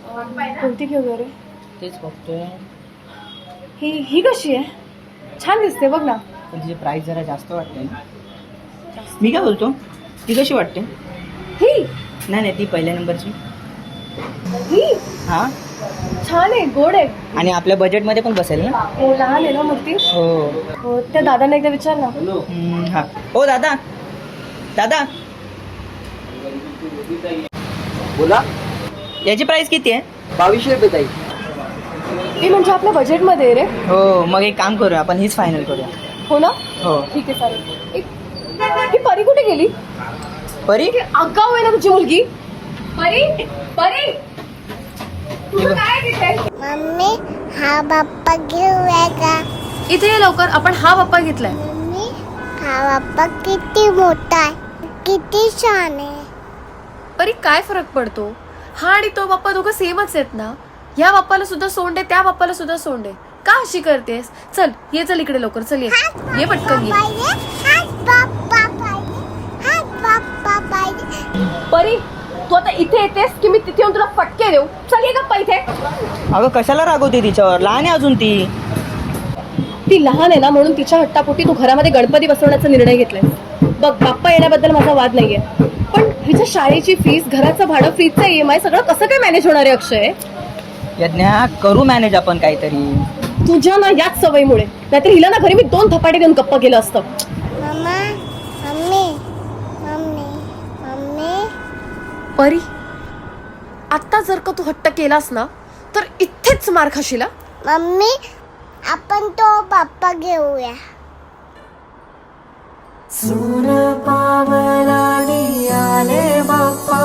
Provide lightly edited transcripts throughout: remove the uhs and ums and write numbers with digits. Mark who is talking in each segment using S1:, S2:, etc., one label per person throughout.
S1: कोणती घेऊ रे?
S2: तेच बघतोय.
S1: ही कशी आहे? छान दिसते बघ ना.
S2: पण तिची प्राइस जरा जास्त वाटते. मी काय बोलतो, ती कशी वाटते?
S1: ही
S2: नाही ती पहिल्या नंबरची.
S1: ही
S2: हा
S1: छान आहे, गोड आहे.
S2: आणि आपल्या बजेटमध्ये पण बसेल ना.
S1: हो, लहान आहे ना मूर्ती. हो, त्या दादांना एकदा विचार ना.
S2: हा. हो दादा, दादा
S3: बोला.
S2: याची प्राइस किती आहे?
S3: 2200 रुपये ताई.
S1: ती म्हणजे आपल्या बजेटमध्ये आहे रे.
S2: हो, मग एक काम करूया, आपण हीच फायनल करूया.
S1: हो ना.
S2: हो.
S1: ठीक आहे, चालेल. ही परी कुठे गेली?
S2: परी
S1: आगाऊ आहे ना तुझी मुलगी. परी परी तुझं काय तिथे?
S4: मम्मी हा बाप्पा घेऊया का?
S1: इथे ये लवकर, आपण हा बाप्पा घेतलाय.
S4: मम्मी हा बाप्पा किती मोठा आहे, किती छान आहे.
S1: परी काय फरक पडतो? हा आणि तो बाप्पा दोघं सेमच आहेत ना. या बाप्पाला सुद्धा सोंड आहे, त्या बाप्पाला सुद्धा सोंड आहे. का अशी करतेस? चल ये, चल इकडे लवकर, चल ये पटकन ये.
S4: हाच बाप्पा पाहिजे, हाच बाप्पा पाहिजे.
S1: परी तू आता इथे येतेस की मी तिथे येऊन तुला फटके देऊ? चल ये गप्पा इथे.
S2: अगं कशाला रागवते तिच्यावर? लहान आहे अजून ती.
S1: ती लहान आहे ना, म्हणून तिच्या हट्टापोटी तू घरामध्ये गणपती बसवण्याचा निर्णय घेतलाय. बघ, बाप्पा येण्याबद्दल माझा वाद नाहीये, पण हिच्या शाळेची फीस, घराचं भाडं, फ्रीजचा EMI सगळं कसं काय मॅनेज होणार आहे अक्षय?
S2: यज्ञा, करू मॅनेज आपण काहीतरी.
S1: तुझ्या ना याच सवयीमुळे. नाहीतर हिला ना घरी मी 2 धपाटे देऊन गप्पा केलं असतं.
S4: मम्मा मम्मी मम्मी मम्मी
S1: परी आता जर का तू हट्ट केलास ना तर इथेच मार खाशील.
S4: मम्मी आपण तो बाप्पा घेऊया.
S5: सून पावलानी आले बाप्पा,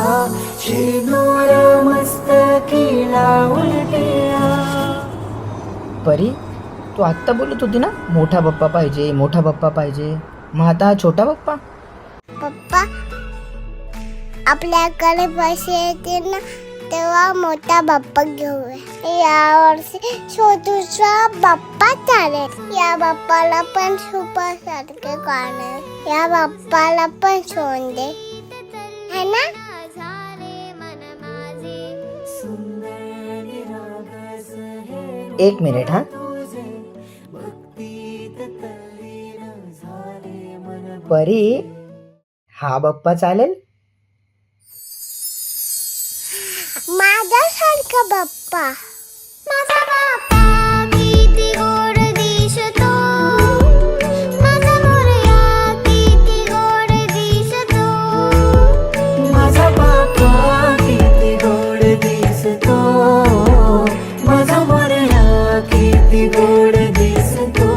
S5: शेणूर मस्तकीला उलटिया.
S2: परी तू आत्ता बोलत होती ना, मोठा बाप्पा पाहिजे, मोठा बाप्पा पाहिजे. मग आता हा छोटा बाप्पा?
S4: पप्पा आपल्याकडे पैसे येतील ना तेव्हा मोठा बाप्पा घेऊया. यावर्षी छोटूसा बाप्पा चालेल. या बाप्पाला पण सुपर सारखे काढणार, या बाप्पाला पण सोन दे, है ना?
S2: एक मिनिट. हा परी, हा बाप्पा चालेल?
S4: माझ्यासारखा बाप्पा. माझा बाप्पा किती गोड दिसतो, माझा मोरया किती गोड दिसतो.
S5: माझा बाप्पा किती गोड दिसतो, माझा मोरया किती गोड दिसतो.